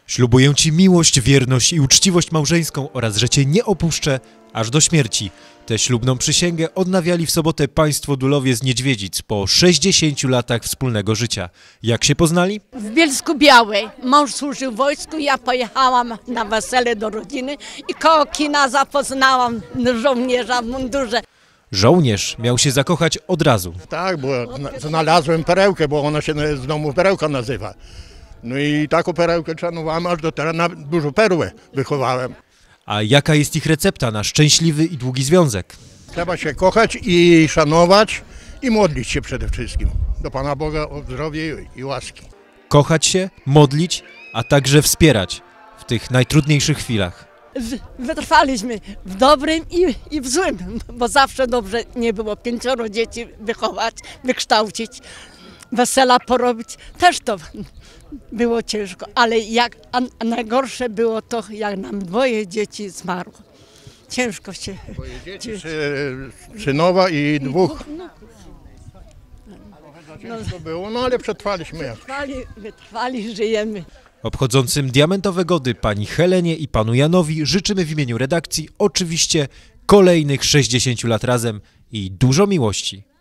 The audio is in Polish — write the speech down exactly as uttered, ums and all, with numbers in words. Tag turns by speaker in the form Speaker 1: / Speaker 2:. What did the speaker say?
Speaker 1: Ślubuję Ci miłość, wierność i uczciwość małżeńską oraz, że Cię nie opuszczę aż do śmierci. Tę ślubną przysięgę odnawiali w sobotę państwo Dulowie z Niedźwiedzic po sześćdziesięciu latach wspólnego życia. Jak się poznali?
Speaker 2: W Bielsku-Białej. Mąż służył w wojsku, ja pojechałam na wesele do rodziny i koło kina zapoznałam żołnierza w mundurze.
Speaker 1: Żołnierz miał się zakochać od razu.
Speaker 3: Tak, bo znalazłem perełkę, bo ona się z domu perełka nazywa. No i taką perełkę szanowałem, aż do teraz na dużą perłę wychowałem.
Speaker 1: A jaka jest ich recepta na szczęśliwy i długi związek?
Speaker 3: Trzeba się kochać i szanować i modlić się przede wszystkim do Pana Boga o zdrowie i łaski.
Speaker 1: Kochać się, modlić, a także wspierać w tych najtrudniejszych chwilach.
Speaker 2: Wytrwaliśmy w dobrym i, i w złym, bo zawsze dobrze nie było pięcioro dzieci wychować, wykształcić, wesela porobić. Też to było ciężko, ale jak, a najgorsze było to, jak nam dwoje dzieci zmarło. Ciężko się...
Speaker 3: Dwoje dzieci, synowa i dwóch. Ciężko było, no ale przetrwaliśmy.
Speaker 2: Wytrwali, wytrwali, żyjemy.
Speaker 1: Obchodzącym diamentowe gody pani Helenie i panu Janowi życzymy w imieniu redakcji oczywiście kolejnych sześćdziesięciu lat razem i dużo miłości.